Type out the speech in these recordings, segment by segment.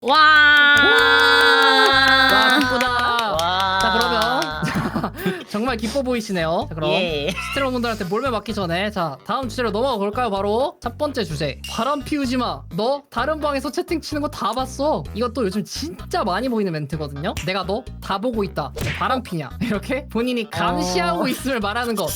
와. 기쁘다. 와. 자 그러면 정말 기뻐 보이시네요. 자, 그럼 예. 스트롱분들한테 몰매 맞기 전에 자 다음 주제로 넘어가 볼까요? 바로 첫 번째 주제. 바람 피우지 마. 너 다른 방에서 채팅 치는 거 다 봤어. 이것도 요즘 진짜 많이 보이는 멘트거든요. 내가 너 다 보고 있다. 바람 피냐? 이렇게 본인이 감시하고 있음을 말하는 것.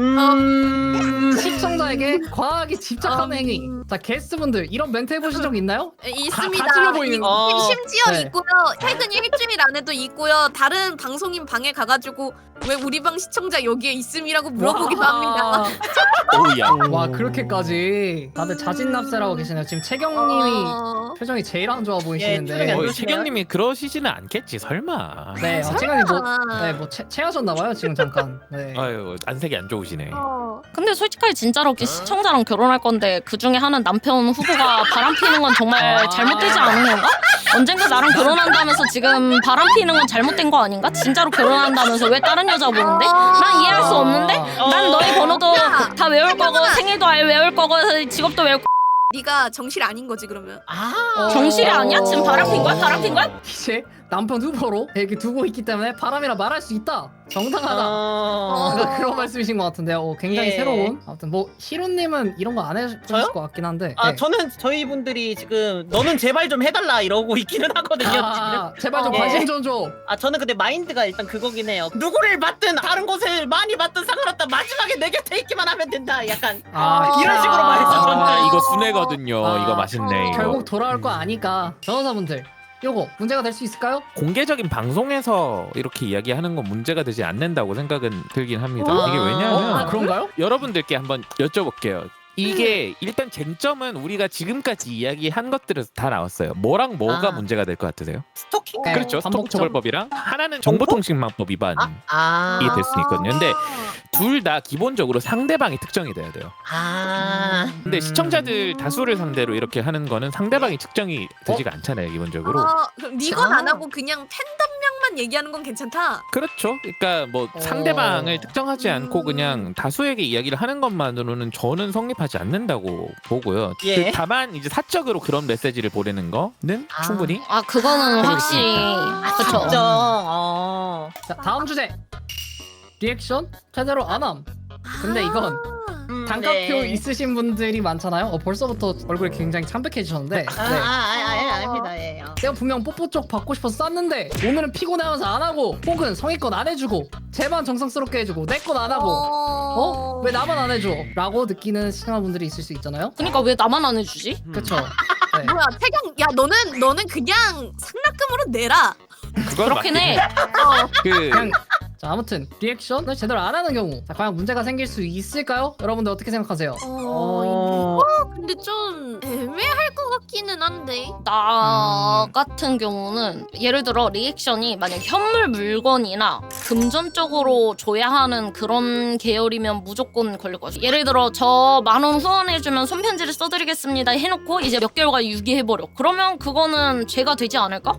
시청자에게 과하게 집착하는 행위. 자 게스트분들 이런 멘트 해보신 적 있나요? 있습니다. 다 찔러 보이는 심지어 네. 있고요. 최근 일주일 안에도 있고요. 다른 방송인 방에 가가지고 왜 우리 방 시청자 여기에 있음이라고 물어보기도 합니다. 오우야. 와 그렇게까지 다들 자진납세라고 계시네요. 지금 채경님이 표정이 제일 안 좋아 보이시는데. 표정이 안 좋으시네요. 최경님이 그러시지는 않겠지 설마. 네, 채경님 뭐 체하셨나봐요 지금 잠깐. 네. 아유 안색이 안 좋으시네. 근데 솔직하게 진짜로 시청자랑 결혼할 건데 그 중에 하는 남편 후보가 바람 피는 건 정말 잘못되지 않은 건가? 언젠가 나랑 결혼한다면서 지금 바람 피는 건 잘못된 거 아닌가? 진짜로 결혼한다면서 왜 다른 여자 보는데? 난 이해할 수 없는데? 난 너의 번호도 다 외울 거고 생일도 외울 거고 직업도 외울 거고. 네가 정실 아닌 거지 그러면. 정실이 아니야? 지금 바람 핀 거야? 바람 핀 거야? 이제 남편 후보로 이렇게 두고 있기 때문에 바람이라 말할 수 있다. 정당하다. 그러니까 그런 말씀이신 것 같은데요. 굉장히 예. 새로운. 아무튼 뭐 히로님은 이런 거 안 해주실 저요? 것 같긴 한데. 아 네. 저는 저희 분들이 지금 너는 제발 좀 해달라 이러고 있기는 하거든요. 제발 좀 예. 관심 좀 줘. 아 저는 근데 마인드가 일단 그거긴 해요. 누구를 받든 다른 곳을 많이 받든 상관없다. 마지막에 내 곁에 있기만 하면 된다. 약간 이런 식으로 말했어. 저는. 이거 순회거든요. 아, 이거 맛있네. 이거. 결국 돌아올 거 아니까 변호사분들 요거 문제가 될 수 있을까요? 공개적인 방송에서 이렇게 이야기하는 건 문제가 되지 않는다고 생각은 들긴 합니다. 아, 이게 왜냐하면 그런가요? 여러분들께 한번 여쭤볼게요. 이게 일단 쟁점은 우리가 지금까지 이야기한 것들에서 다 나왔어요. 뭐랑 뭐가 아. 문제가 될 것 같으세요? 스토킹. 그렇죠. 반복점. 스토커처벌법이랑 하나는 정보통신망법 위반이 될 수 있거든요. 근데 둘 다 기본적으로 상대방이 특정이 돼야 돼요. 근데 시청자들 다수를 상대로 이렇게 하는 거는 상대방이 측정이 되지가 않잖아요, 기본적으로. 그럼 니건 안 하고 그냥 팬덤명만 얘기하는 건 괜찮다. 그렇죠. 그러니까 뭐 상대방을 특정하지 않고 그냥 다수에게 이야기를 하는 것만으로는 저는 성립하지 않는다고 보고요. 예. 다만 이제 사적으로 그런 메시지를 보내는 거는 충분히 아 그거는 확실히 그쵸. 특정. 자 다음 주제. 리액션 제대로 안함. 근데 이건 단가표 네. 있으신 분들이 많잖아요. 벌써부터 얼굴이 굉장히 참백해지셨는데. 네. 아닙니다. 예. 내가 분명 뽀뽀 쪽 받고 싶어서 쌌는데 오늘은 피곤해하면서 안 하고 혹은 성의껏 안 해주고 쟤만 정성스럽게 해주고 내 건 안 하고 왜 나만 안 해줘? 라고 느끼는 시청자분들이 있을 수 있잖아요. 그러니까 왜 나만 안 해주지? 그쵸? 네. 뭐야 태경 야 너는 그냥 상납금으로 내라. 그건 그렇긴 해. 그냥 자 아무튼 리액션을 제대로 안 하는 경우 자 과연 문제가 생길 수 있을까요? 여러분들 어떻게 생각하세요? 이거 근데 좀 애매할 것 같기는 한데. 나 같은 경우는 예를 들어 리액션이 만약 현물 물건이나 금전적으로 줘야 하는 그런 계열이면 무조건 걸릴 것 같아요. 예를 들어 저 10,000원 후원해주면 손편지를 써드리겠습니다 해놓고 이제 몇 개월간 유기해버려. 그러면 그거는 죄가 되지 않을까?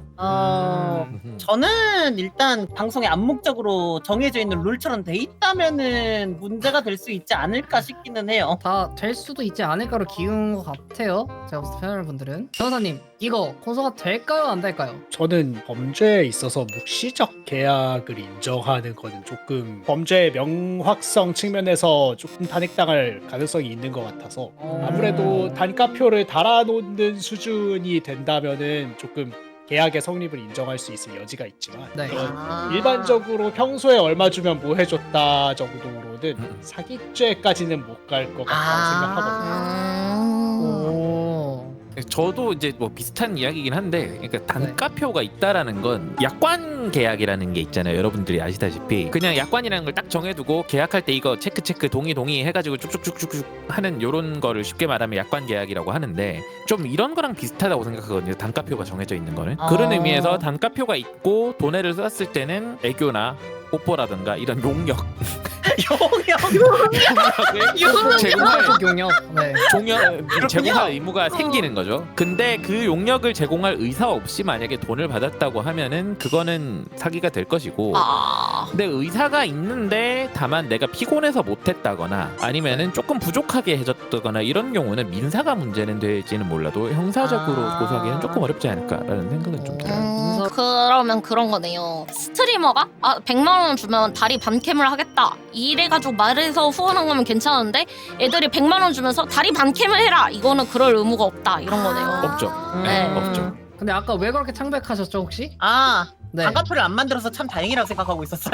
저는 일단 방송에 암묵적으로 정해져 있는 룰처럼 돼 있다면은 문제가 될 수 있지 않을까 싶기는 해요. 다 될 수도 있지 않을까로 기운 것 같아요. 제가 봤을 때 패널분들은 변호사님 이거 고소가 될까요 안 될까요? 저는 범죄에 있어서 묵시적 계약을 인정하는 거는 조금 범죄의 명확성 측면에서 조금 탄핵당할 가능성이 있는 것 같아서 아무래도 단가표를 달아놓는 수준이 된다면은 조금 계약의 성립을 인정할 수 있을 여지가 있지만 네. 일반적으로 평소에 얼마 주면 뭐 해줬다 정도로는 사기죄까지는 못 갈 것 같다고 생각하거든요. 오. 저도 이제 뭐 비슷한 이야기긴 한데, 그러니까 단가표가 있다라는 건 약관 계약이라는 게 있잖아요. 여러분들이 아시다시피 그냥 약관이라는 걸 딱 정해두고 계약할 때 이거 체크 동의 해가지고 쭉쭉쭉쭉 하는 요런 거를 쉽게 말하면 약관 계약이라고 하는데 좀 이런 거랑 비슷하다고 생각하거든요. 단가표가 정해져 있는 거는 그런 의미에서 단가표가 있고 돈을 썼을 때는 애교나 뽀뽀라든가 이런 용역 용역을 제공할 용역. 네. 제공할 의무가 생기는 거죠. 근데 그 용역을 제공할 의사 없이 만약에 돈을 받았다고 하면은 그거는 사기가 될 것이고. 근데 의사가 있는데 다만 내가 피곤해서 못했다거나 아니면은 조금 부족하게 해줬다거나 이런 경우는 민사가 문제는 될지는 몰라도 형사적으로 고소하기는 조금 어렵지 않을까라는 생각은 좀 들어요. 그러면 그런 거네요. 스트리머가 100만 원 주면 다리 반캠을 하겠다 이래가지고 말해서 후원한 거면 괜찮은데 애들이 100만 원 주면서 다리 반캠을 해라 이거는 그럴 의무가 없다 이런 거네요. 없죠. 네. 없죠. 근데 아까 왜 그렇게 창백하셨죠 혹시? 네. 단가표를 안 만들어서 참 다행이라고 생각하고 있었어요.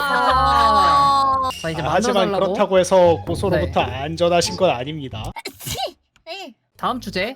자 이제 하지만 만들어달라고. 그렇다고 해서 고소로부터 안전하신 건 아닙니다. 다음 주제.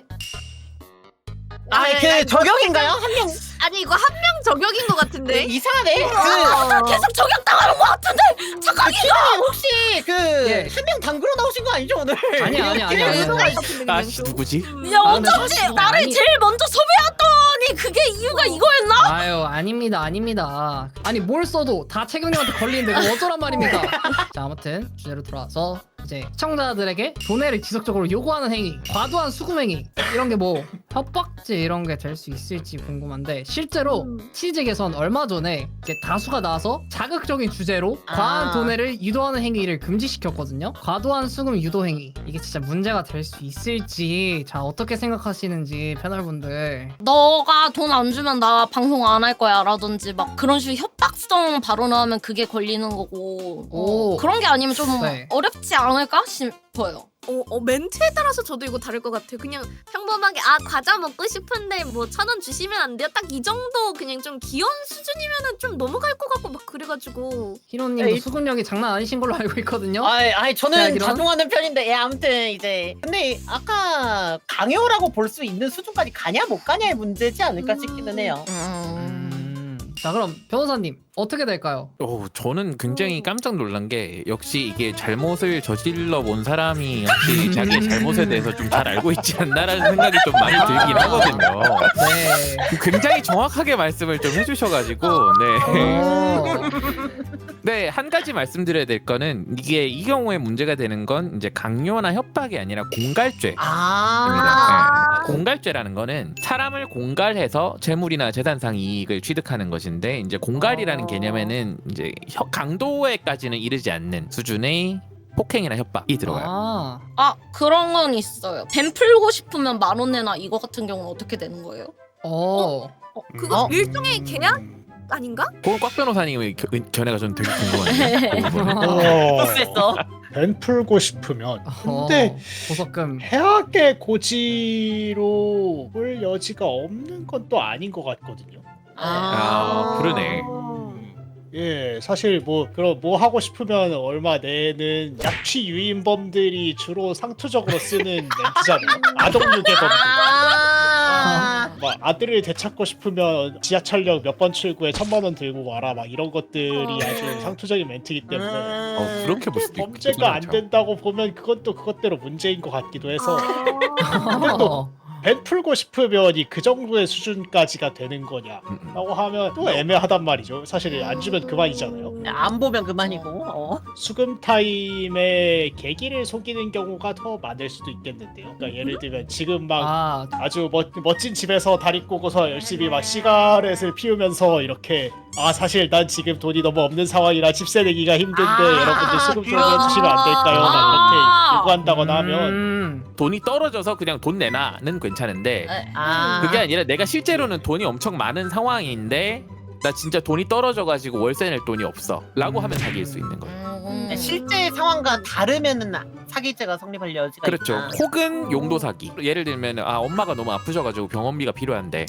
그 저격인가요? 한 명 아니 이거 한 명 저격인 것 같은데. 이상하네. 계속 저격당하는 것 같은데 키라님 혹시 예. 한 명 당구로 나오신 거 아니죠 오늘? 아니야. 아씨 누구지? 야 아, 근데 어쩐지 사실 나를 아니- 제일 먼저 섭외했더니 그게 이유가 이거였나? 아유 아닙니다. 아니 뭘 써도 다 책임님한테 걸리는데 그거 어쩌란 말입니까? 자 아무튼 주제로 돌아와서 이제 시청자들에게 돈해를 지속적으로 요구하는 행위, 과도한 수금 행위 이런 게 뭐 협박죄 이런 게 될 수 있을지 궁금한데 실제로 치즈 개선 얼마 전에 이제 다수가 나와서 자극적인 주제로 과한 돈해를 유도하는 행위를 금지시켰거든요. 과도한 수금 유도 행위 이게 진짜 문제가 될 수 있을지 자 어떻게 생각하시는지 패널분들. 너가 돈 안 주면 나 방송 안 할 거야 라든지 막 그런 식으로 협박성 발언을 하면 그게 걸리는 거고 오. 그런 게 아니면 좀 네. 어렵지 않을까 싶어요. 멘트에 따라서 저도 이거 다를 것 같아요. 그냥 평범하게 과자 먹고 싶은데 뭐 1,000원 주시면 안 돼요? 딱 이 정도 그냥 좀 귀여운 수준이면은 좀 넘어갈 것 같고 막 그래가지고. 히로님도 에이. 수근력이 장난 아니신 걸로 알고 있거든요. 아니 저는 대학이랑? 자중하는 편인데 아무튼 이제 근데 아까 강요라고 볼 수 있는 수준까지 가냐 못 가냐의 문제지 않을까 싶기는 해요. 자 그럼 변호사님 어떻게 될까요? 저는 굉장히 깜짝 놀란 게 역시 이게 잘못을 저질러 본 사람이 역시 자기의 잘못에 대해서 좀 잘 알고 있지 않나라는 생각이 좀 많이 들긴 하거든요. 네. 굉장히 정확하게 말씀을 좀 해주셔가지고 네, 한 가지 말씀드려야 될 거는 이게 이 경우에 문제가 되는 건 이제 강요나 협박이 아니라 공갈죄. 공갈죄라는 거는 사람을 공갈해서 재물이나 재산상 이익을 취득하는 것인데 이제 공갈이라는 개념에는 이제 강도에까지는 이르지 않는 수준의 폭행이나 협박이 들어가요. 그런 건 있어요. 뱀 풀고 싶으면 10,000원 내나 이거 같은 경우는 어떻게 되는 거예요? 그거 일종의 계약 아닌가? 그건 꽉 변호사님의 견해가 저는 되게 궁금한데. 됐어. 벤 풀고 싶으면 근데 보석금 해악의 고지로 볼 여지가 없는 건 또 아닌 것 같거든요. 그러네. 예, 사실 그럼 뭐 하고 싶으면 얼마 내는 약취 유인범들이 주로 상투적으로 쓰는 멘트잖아요. 아동유괴범들. 막 아들을 되찾고 싶으면 지하철역 몇 번 출구에 1,000,000원 들고 와라 막 이런 것들이 아주 상투적인 멘트이기 때문에 그렇게 볼 수도 범죄가 안 된다고 보면 그건 또 그것대로 문제인 것 같기도 해서 근데 또 벤 풀고 싶으면 그 정도의 수준까지가 되는 거냐라고 하면 또 애매하단 말이죠. 사실 안 주면 그만이잖아요. 안 보면 그만이고. 수금 타임에 계기를 속이는 경우가 더 많을 수도 있겠는데요. 그러니까 예를 들면 지금 막 아주 멋진 집에서 다리 꼬고서 열심히 막 시가렛을 피우면서 이렇게 사실 난 지금 돈이 너무 없는 상황이라 집세 내기가 힘든데 여러분들 수금 좀 해주시면 안 될까요? 막 이렇게 요구한다거나 하면 돈이 떨어져서 그냥 돈 내놔는 괜찮은데 그게 아니라 내가 실제로는 돈이 엄청 많은 상황인데 나 진짜 돈이 떨어져가지고 월세 낼 돈이 없어 라고 하면 사기일 수 있는 거예요. 실제 상황과 다르면은 사기죄가 성립할 여지가 그렇죠. 있다. 혹은 용도 사기. 예를 들면 엄마가 너무 아프셔가지고 병원비가 필요한데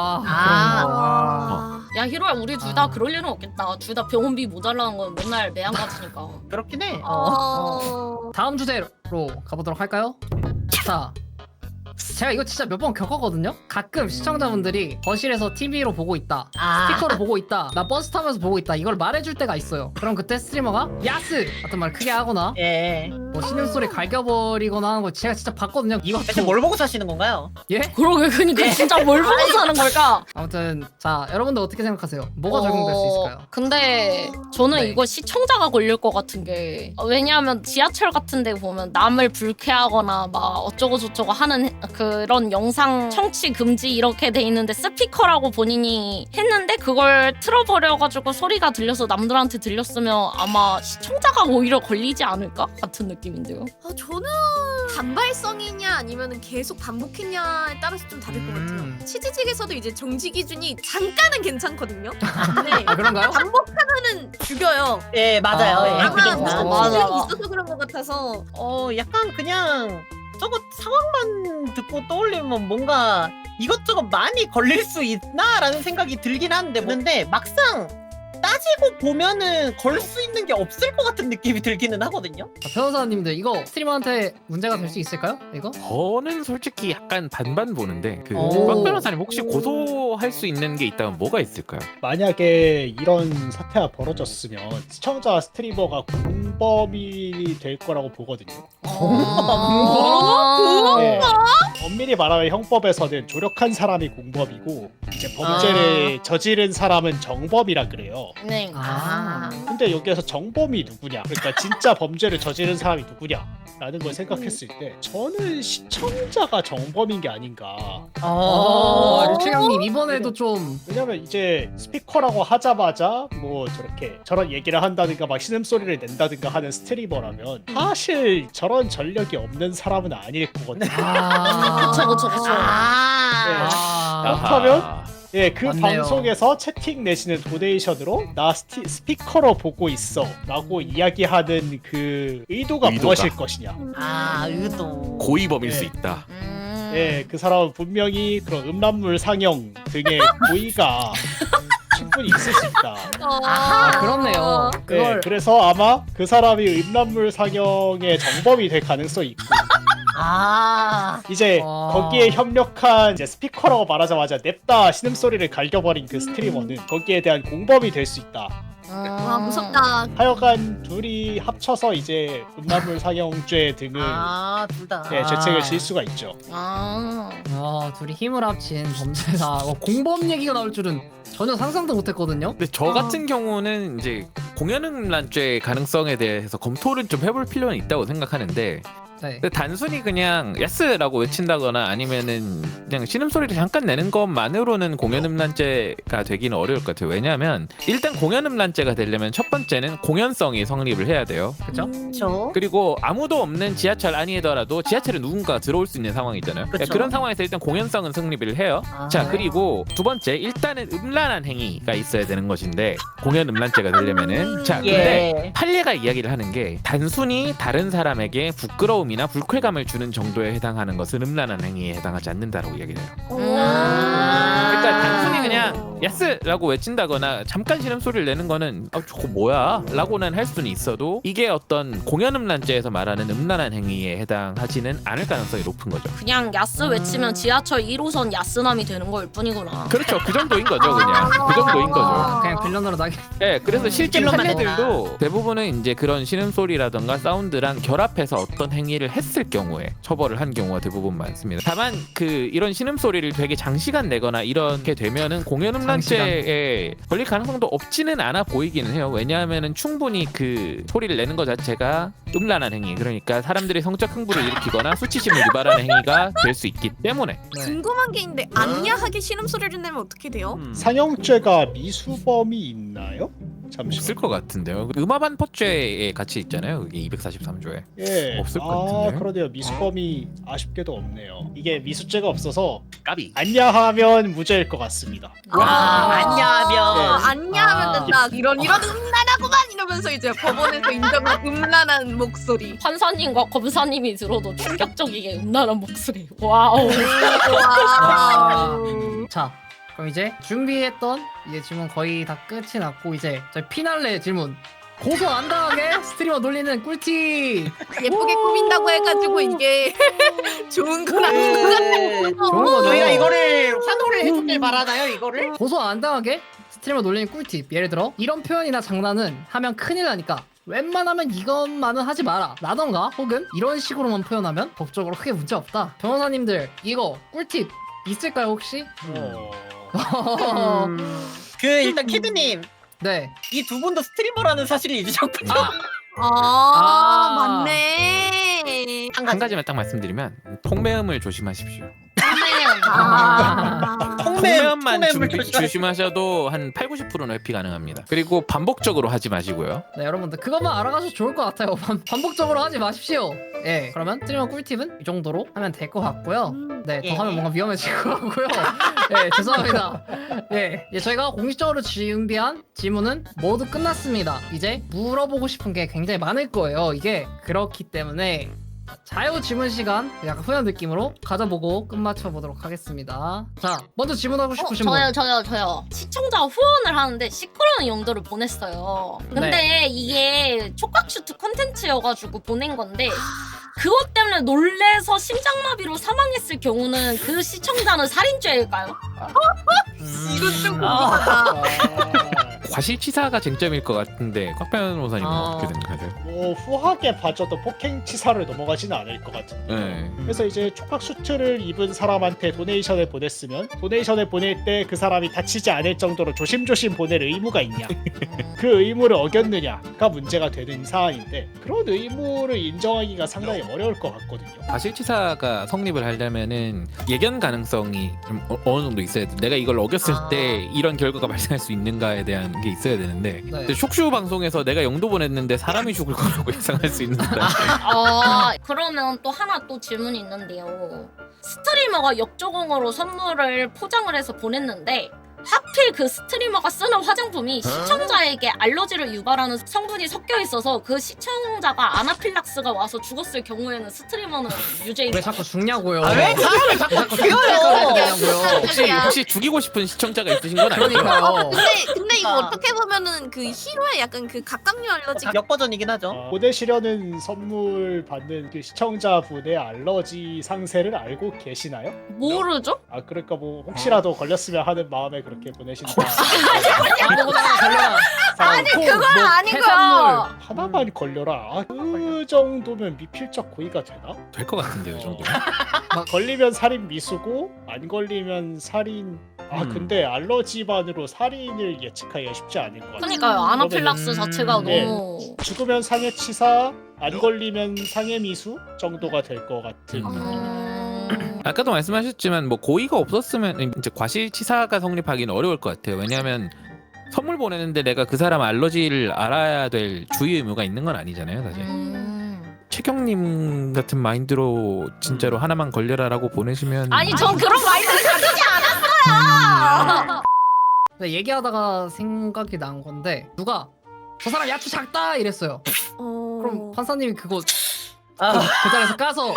야 히로야 우리 둘 다 그럴 일은 없겠다. 둘 다 병원비 모자라는 건 맨날 매한 가지니까. 그렇긴 해. 다음 주제로 가보도록 할까요? 자 제가 이거 진짜 몇 번 겪었거든요. 가끔 시청자분들이 거실에서 TV로 보고 있다, 스피커로 보고 있다, 나 버스 타면서 보고 있다 이걸 말해줄 때가 있어요. 그럼 그때 스트리머가 야스 같은 말 크게 하거나 뭐 신음소리 갈겨버리거나 하는 거 제가 진짜 봤거든요. 대체 이것도 뭘 보고 사시는 건가요? 예? 그러게 그니까 진짜 뭘 보고 사는 걸까? 아무튼 자 여러분들 어떻게 생각하세요? 뭐가 적용될 수 있을까요? 근데 저는 네. 이거 시청자가 걸릴 것 같은 게 왜냐하면 지하철 같은 데 보면 남을 불쾌하거나 막 어쩌고 저쩌고 하는 그런 영상 청취 금지 이렇게 돼 있는데 스피커라고 본인이 했는데 그걸 틀어버려가지고 소리가 들려서 남들한테 들렸으면 아마 시청자가 오히려 걸리지 않을까? 같은 느낌인데요. 저는 단발성이냐 아니면 계속 반복했냐에 따라서 좀 다를 것 같아요. 치즈직에서도 이제 정지 기준이 잠깐은 괜찮거든요. 근데 아 그런가요? 반복하면은 죽여요. 예 맞아요. 아, 예, 아마 그게 무슨 맞아. 기준이 있어서 그런 것 같아서 약간 그냥 저거 상황만 듣고 떠올리면 뭔가 이것저것 많이 걸릴 수 있나라는 생각이 들긴 하는데 근데 막상 따지고 보면은 걸 수 있는 게 없을 것 같은 느낌이 들기는 하거든요. 자, 변호사님들 이거 스트리머한테 문제가 될 수 있을까요? 이거? 저는 솔직히 약간 반반 보는데 그 오. 박 변호사님 혹시 고소할 수 있는 게 있다면 뭐가 있을까요? 만약에 이런 사태가 벌어졌으면 시청자 스트리머가 공범이 될 거라고 보거든요. 네. 엄밀히 말하면 형법에서는 조력한 사람이 공범이고 이제 범죄를 저지른 사람은 정범이라 그래요. 네. 아. 근데 여기에서 정범이 누구냐? 그러니까 진짜 범죄를 저지른 사람이 누구냐라는 걸 생각했을 때 저는 시청자가 정범인 게 아닌가. 류채강님 이번에도 좀 왜냐면 이제 스피커라고 하자마자 뭐 저렇게 저런 얘기를 한다든가 막 신음소리를 낸다든가 하는 스트리머라면 사실 저런 전력이 없는 사람은 아닐 거거든요. 그쵸. 그렇다면? 예, 그 맞네요. 방송에서 채팅 내시는 도네이션으로 나 스피커로 보고 있어 라고 이야기하는 그 의도가 무엇일 것이냐. 의도. 고의범일 네. 수 있다. 예, 그 사람은 분명히 그런 음란물 상영 등의 고의가 충분히 있을 수 있다. 아 그렇네요. 네, 그걸 그래서 아마 그 사람이 음란물 상영의 정범이 될 가능성이 있고 이제 거기에 협력한 이제 스피커라고 말하자마자 냅다 신음소리를 갈겨버린 그 스트리머는 거기에 대한 공범이 될 수 있다. 와 무섭다. 하여간 둘이 합쳐서 이제 음란물 상영죄 등을 둘 다. 예, 죄책을 질 수가 있죠. 둘이 힘을 합친 범죄다. 공범 얘기가 나올 줄은 전혀 상상도 못했거든요. 근데 저 같은 경우는 이제 공연음란죄 가능성에 대해서 검토를 좀 해볼 필요는 있다고 생각하는데 네. 근데 단순히 그냥 야스라고 외친다거나 아니면은 그냥 신음소리를 잠깐 내는 것만으로는 공연음란죄가 되기는 어려울 것 같아요. 왜냐하면 일단 공연음란죄가 되려면 첫 번째는 공연성이 성립을 해야 돼요. 그렇죠? 그렇죠. 그리고 아무도 없는 지하철 아니더라도 지하철에 누군가가 들어올 수 있는 상황이잖아요. 그쵸. 그런 상황에서 일단 공연성은 성립을 해요. 자 그리고 두 번째 일단은 음란한 행위가 있어야 되는 것인데 공연 음란죄가 되려면은 자 근데 판례가 이야기를 하는 게 단순히 다른 사람에게 부끄러움이나 불쾌감을 주는 정도에 해당하는 것은 음란한 행위에 해당하지 않는다라고 이야기를 해요. 그러니까 단순히 그냥 야스라고 외친다거나 잠깐 신음소리를 내는 거는 저거 뭐야? 라고는 할 수는 있어도 이게 어떤 공연 음란죄에서 말하는 음란한 행위에 해당하지는 않을 가능성이 높은 거죠. 그냥 야스 외치면 지하철 1호선 야스남이 되는 걸 뿐이구나. 그렇죠. 그 정도인 거죠. 그냥 그 정도인 거죠. 그냥 빌런으로 나게. 네, 그래서 실제 빌런만 판례들도 대부분은 이제 그런 신음소리라던가 사운드랑 결합해서 어떤 행위를 했을 경우에 처벌을 한 경우가 대부분 많습니다. 다만 그 이런 신음소리를 되게 장시간 내거나 이렇게 되면은 공연음란죄에 걸릴 가능성도 없지는 않아 보이기는 해요. 왜냐하면은 충분히 그 소리를 내는 것 자체가 음란한 행위, 그러니까 사람들이 성적 흥부를 일으키거나 수치심을 유발하는 행위가 될 수 있기 때문에. 네. 궁금한 게 있는데 안야하게 신음소리를 내면 어떻게 돼요? 상영죄가 미수범이 있나요? 잠시만. 없을 것 같은데요. 음압한 포죄에 같이 있잖아요. 그게 243조에. 예. 없을 것 같은데요? 그러네요. 미수범이 아쉽게도 없네요. 이게 미수죄가 없어서 까비. 안야하면 무죄일 것 같습니다. 안냐하면. 안야하면 아. 된다. 이런 음란하구만 이러면서 이제 법원에서 인정한 음란한 목소리. 판사님과 검사님이 들어도 충격적이게 음란한 목소리. 와우. 와우. 자 그럼 이제 준비했던 이제 질문 거의 다 끝이 났고 이제 저희 피날레 질문. 고소 안 당하게 스트리머 놀리는 꿀팁. 예쁘게 꾸민다고 해가지고 이게 좋은 건 아닌 것 같아. 좋은 거죠. 저희가 이거를 환호를 해주길 바라나요? 이거를? 고소 안 당하게 스트리머 놀리는 꿀팁. 예를 들어 이런 표현이나 장난은 하면 큰일 나니까 웬만하면 이것만은 하지 마라 라던가 혹은 이런 식으로만 표현하면 법적으로 크게 문제 없다. 변호사님들 이거 꿀팁 있을까요 혹시? 그 일단 키드님 네. 이 두 분도 스트리머라는 사실을 잊으셨군요. 아. 맞네. 한 가지만 딱 말씀드리면 통매음을 조심하십시오. 통매음만 조심하셔도 한 8-90%는 회피 가능합니다. 그리고 반복적으로 하지 마시고요. 네 여러분들 그것만 알아가셔도 좋을 것 같아요. 반복적으로 하지 마십시오. 예 그러면 스트리머 꿀팁은 이 정도로 하면 될 것 같고요. 네 더 예. 하면 뭔가 위험해질 것 같고요. 예 죄송합니다. 예 저희가 공식적으로 준비한 질문은 모두 끝났습니다. 이제 물어보고 싶은 게 굉장히 많을 거예요. 이게 그렇기 때문에 자유 질문 시간 약간 후연 느낌으로 가져보고 끝마쳐 보도록 하겠습니다. 자 먼저 질문하고 싶으신 분. 저요. 시청자 후원을 하는데 시끄러운 용도를 보냈어요. 근데 이게 촉각슈트 콘텐츠여가지고 보낸 건데 그것 때문에 놀래서 심장마비로 사망했을 경우는 그 시청자는 살인죄일까요? 이건 좀 아. 과실치사가 쟁점일 것 같은데 꽉 변호사님은 어떻게 생각하세요? 뭐 후하게 봐줘도 폭행치사를 넘어가지는 않을 것 같은데. 네. 그래서 이제 촉각 수트를 입은 사람한테 도네이션을 보냈으면 도네이션을 보낼 때 그 사람이 다치지 않을 정도로 조심조심 보낼 의무가 있냐, 그 의무를 어겼느냐가 문제가 되는 사안인데 그런 의무를 인정하기가 상당히 어려울 것 같거든요. 과실치사가 성립을 하려면은 예견 가능성이 좀 어느 정도 있어야 돼. 내가 이걸 어겼을 때 이런 결과가 발생할 수 있는가에 대한 게 있어야 되는데 근데 촉슈 방송에서 내가 영도 보냈는데 사람이 죽을 거라고 예상할 수 있는 그러면 또 하나 또 질문이 있는데요. 스트리머가 역조공으로 선물을 포장을 해서 보냈는데 하필 그 스트리머가 쓰는 화장품이 시청자에게 알러지를 유발하는 성분이 섞여 있어서 그 시청자가 아나필락스가 와서 죽었을 경우에는 스트리머는 왜 유죄입니다. 자꾸 죽냐고요? 왜 사람을 자꾸 죽여요? 혹시 죽이고 싶은 시청자가 있으신 건 아니죠? 그러니까요. 근데 이거 어떻게 보면은 그 히로의 약간 그 각각류 알러지 역버전이긴 하죠. 보내시려는 선물 받는 그 시청자분의 알러지 상세를 알고 계시나요? 모르죠? 아 그러니까 뭐 혹시라도 걸렸으면 하는 마음에 그렇게 보내신다. 아니 그건 아니고요. 해산물. 하나만 걸려라. 아, 그 정도면 미필적 고의가 되나? 될 것 같은데요, 이 정도. 걸리면 살인 미수고 안 걸리면 살인. 아 근데 알러지만으로 살인을 예측하기가 쉽지 않을 것 같아요. 그러니까요. 아나필락스 자체가 네. 너무 죽으면 상해치사, 안 걸리면 상해미수 정도가 될 것 같은. 아까도 말씀하셨지만 뭐 고의가 없었으면 이제 과실치사가 성립하기는 어려울 것 같아요. 왜냐하면 선물 보내는데 내가 그 사람 알러지를 알아야 될 주의 의무가 있는 건 아니잖아요, 사실. 최경님 같은 마인드로 진짜로 하나만 걸려라라고 보내시면 아니 전 그런 마인드를 가지지 않았어요. 네, 얘기하다가 생각이 난 건데 누가 저 사람 야추 작다 이랬어요. 그럼 판사님이 그거 그 자리에서 까서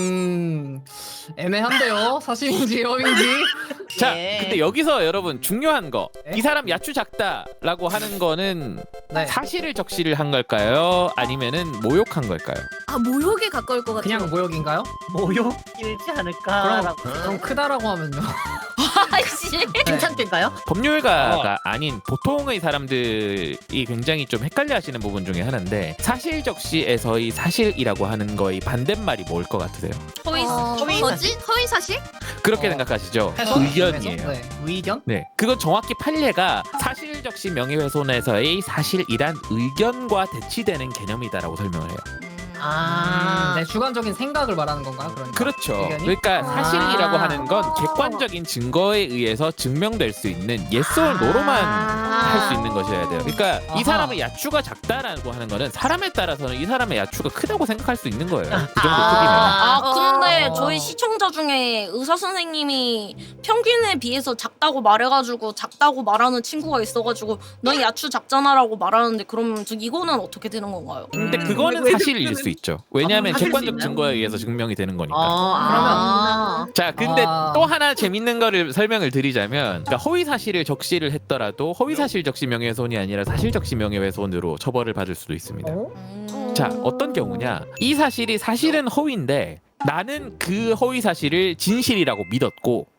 애매한데요. 사실인지 여인지. 자, 예. 근데 여기서 여러분 중요한 거, 네? 이 사람 야추 작다라고 하는 거는 네. 사실을 적시를 한 걸까요? 아니면은 모욕한 걸까요? 아 모욕에 가까울 것 같아요. 그냥 모욕인가요? 모욕일지 않을까? 그럼 크다라고 하면요. 아이씨. 괜찮던가요? 법률가가 아닌 보통의 사람들이 굉장히 좀 헷갈려하시는 부분 중에 하나인데 사실 적시에서의 사실이라고 하는 거의 반대말이 뭘 것 같으세요? 뭐지? 허위 사실? 그렇게 생각하시죠? 해석? 의견이에요. 네. 의견? 네, 그건 정확히 판례가 사실 적시 명예훼손에서의 사실이란 의견과 대치되는 개념이다라고 설명을 해요. 네, 주관적인 생각을 말하는 건가요? 그러니까. 그렇죠. 의견이? 그러니까 사실이라고 하는 건 객관적인 증거에 의해서 증명될 수 있는 yes or no로만 할 수 있는 것이어야 돼요. 그러니까 이 아하. 사람의 야추가 작다라고 하는 거는 사람에 따라서는 이 사람의 야추가 크다고 생각할 수 있는 거예요. 그 정도 크기면. 근데 저희 시청자 중에 의사 선생님이 평균에 비해서 작다고 말해가지고 작다고 말하는 친구가 있어가지고 너 야추 작잖아라고 말하는데 그럼 이거는 어떻게 되는 건가요? 근데 그거는 사실일 수 있죠. 왜냐하면 사실일 수 객관적 있나요? 증거에 의해서 증명이 되는 거니까. 그러면 자, 근데 아. 또 하나 재밌는 거를 설명을 드리자면 그러니까 허위 사실을 적시를 했더라도 허위 사실 적시 명예훼손이 아니라 사실 적시 명예훼손으로 처벌을 받을 수도 있습니다. 자, 어떤 경우냐? 이 사실이 사실은 허위인데 나는 그 허위 사실을 진실이라고 믿었고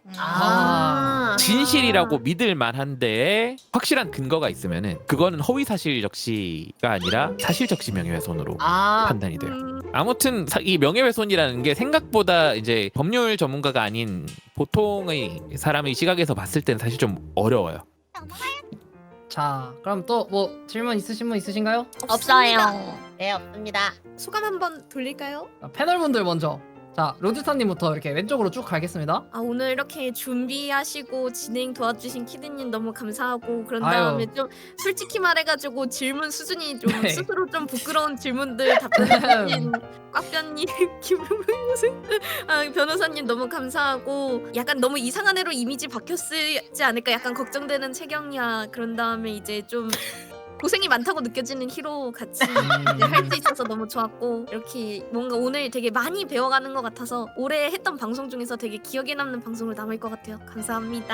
아. 진실이라고 믿을 만한데 확실한 근거가 있으면은 그거는 허위사실 적시가 아니라 사실적시 명예훼손으로 판단이 돼요. 아무튼 이 명예훼손이라는 게 생각보다 이제 법률 전문가가 아닌 보통의 사람의 시각에서 봤을 때는 사실 좀 어려워요. 자, 그럼 또 뭐 질문 있으신 분 있으신가요? 없어요. 네, 없습니다. 소감 한번 돌릴까요? 자, 패널분들 먼저. 자, 로즈타님부터 이렇게 왼쪽으로 쭉 가겠습니다. 아 오늘 이렇게 준비하시고 진행 도와주신 키드님 너무 감사하고 그런 아유. 다음에 좀 솔직히 말해가지고 질문 수준이 좀 네. 스스로 좀 부끄러운 질문들 답변해주신 꽉변님, 김용민 변호사님 너무 감사하고 약간 너무 이상한 애로 이미지 박혔지 않을까 약간 걱정되는 채경이야. 그런 다음에 이제 좀 고생이 많다고 느껴지는 히로 같이 할 수 있어서 너무 좋았고 이렇게 뭔가 오늘 되게 많이 배워가는 것 같아서 올해 했던 방송 중에서 되게 기억에 남는 방송으로 남을 것 같아요. 감사합니다.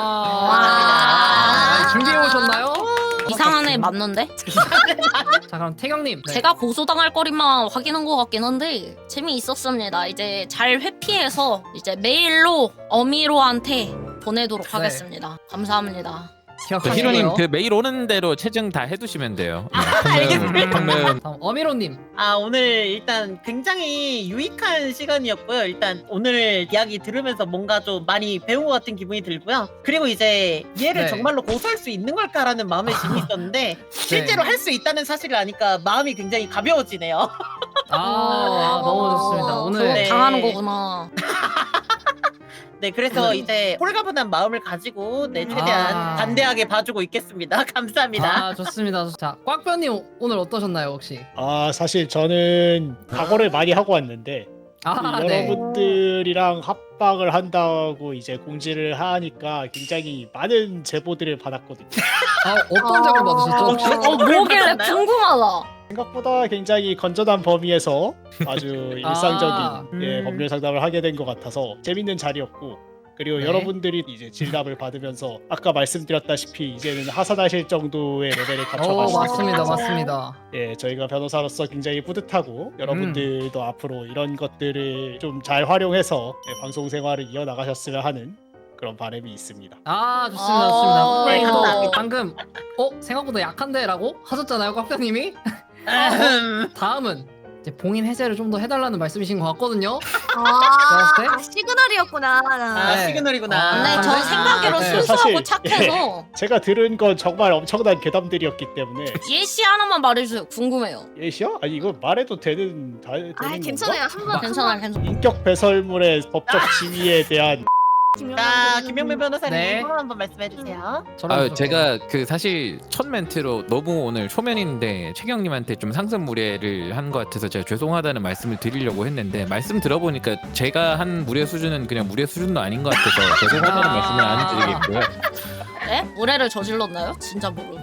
와. 준비해 오셨나요? 이상한 애 맞는데? 자, 그럼 태경님. 네. 제가 고소당할 거리만 확인한 것 같긴 한데 재미있었습니다. 이제 잘 회피해서 이제 메일로 어미로한테 보내도록 네. 하겠습니다. 감사합니다. 기억하시고요. 히로님 그 메일 오는 대로 채증 다 해두시면 돼요. 알겠습니다. 그러면 다음 어미로님. 아, 오늘 일단 굉장히 유익한 시간이었고요. 일단 오늘 이야기 들으면서 뭔가 좀 많이 배운 것 같은 기분이 들고요. 그리고 이제 얘를 네. 정말로 고소할 수 있는 걸까라는 마음의 짐이 있었는데 실제로 할 수 있다는 사실을 아니까 마음이 굉장히 가벼워지네요. 너무 좋습니다. 오늘 네. 당하는 거구나. 네, 그래서 이제 홀가분한 마음을 가지고 최대한 단대하게 봐주고 있겠습니다. 감사합니다. 좋습니다. 자, 꽉변님 오늘 어떠셨나요 혹시? 사실 저는 각오를 많이 하고 왔는데 네. 여러분들이랑 합방을 한다고 이제 공지를 하니까 굉장히 많은 제보들을 받았거든요. 어떤 작업 받으셨죠? 혹시? 뭐길래 받았나요? 궁금하다. 생각보다 굉장히 건전한 범위에서 아주 일상적인 음. 법률 상담을 하게 된 것 같아서 재밌는 자리였고, 그리고 네. 여러분들이 이제 진답을 받으면서 아까 말씀드렸다시피 이제는 하산하실 정도의 레벨을 갖춰가시고 맞습니다. 맞습니다. 예, 저희가 변호사로서 굉장히 뿌듯하고 여러분들도 앞으로 이런 것들을 좀 잘 활용해서 방송 생활을 이어나가셨으면 하는 그런 바람이 있습니다. 좋습니다. 좋습니다. 네, 또 감사합니다. 방금 생각보다 약한데라고 하셨잖아요, 꽉변님이. 다음은 이제 봉인 해제를 좀 더 해달라는 말씀이신 것 같거든요. 시그널이었구나. 네. 시그널이구나. 네, 저 생각으로 네, 순수하고 사실, 착해서 제가 들은 건 정말 엄청난 괴담들이었기 때문에. 예시 하나만 말해주세요. 궁금해요. 예시요? 아니 이거 말해도 되는 되는 건가? 괜찮아요. 한번 괜찮아요. 인격 배설물의 법적 지위에 대한 자, 김영민 변호사님 네. 소감 한번 말씀해 주세요. 제가 그 사실 첫 멘트로 너무 오늘 초면인데 최경님한테 좀 상습 무례를 한 것 같아서 제가 죄송하다는 말씀을 드리려고 했는데 말씀 들어보니까 제가 한 무례 수준은 그냥 무례 수준도 아닌 것 같아서 죄송하다는 말씀을 안 드리겠고요. 네? 무례를 저질렀나요? 진짜 모르.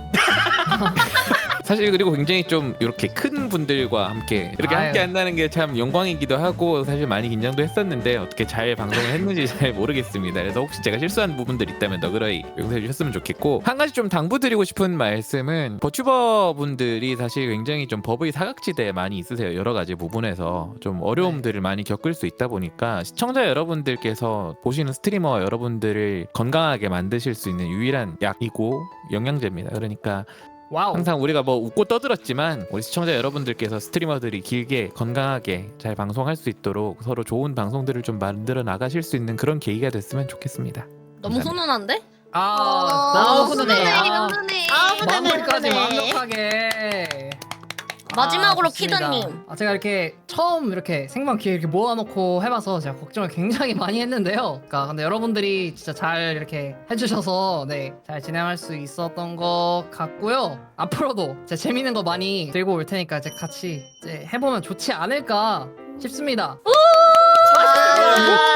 사실 그리고 굉장히 좀 이렇게 큰 분들과 함께 이렇게 아유. 함께 한다는 게 참 영광이기도 하고 사실 많이 긴장도 했었는데 어떻게 잘 방송을 했는지 잘 모르겠습니다. 그래서 혹시 제가 실수한 부분들 있다면 너그러이 용서해 주셨으면 좋겠고, 한 가지 좀 당부드리고 싶은 말씀은 버튜버 분들이 사실 굉장히 좀 법의 사각지대에 많이 있으세요. 여러 가지 부분에서 좀 어려움들을 많이 겪을 수 있다 보니까 시청자 여러분들께서 보시는 스트리머 여러분들을 건강하게 만드실 수 있는 유일한 약이고 영양제입니다. 그러니까 와우. 항상 우리가 뭐 웃고 떠들었지만 우리 시청자 여러분들께서 스트리머들이 길게 건강하게 잘 방송할 수 있도록 서로 좋은 방송들을 좀 만들어 나가실 수 있는 그런 계기가 됐으면 좋겠습니다. 너무 훈훈한데? 너무 훈훈해요. 훈훈해. 마무리까지 완벽하게. 마지막으로 좋습니다. 키드님. 제가 이렇게 처음 이렇게 생방 기회 이렇게 모아놓고 해봐서 제가 걱정을 굉장히 많이 했는데요. 근데 여러분들이 진짜 잘 이렇게 해주셔서 잘 진행할 수 있었던 것 같고요. 앞으로도 재밌는 거 많이 들고 올 테니까 같이 해보면 좋지 않을까 싶습니다.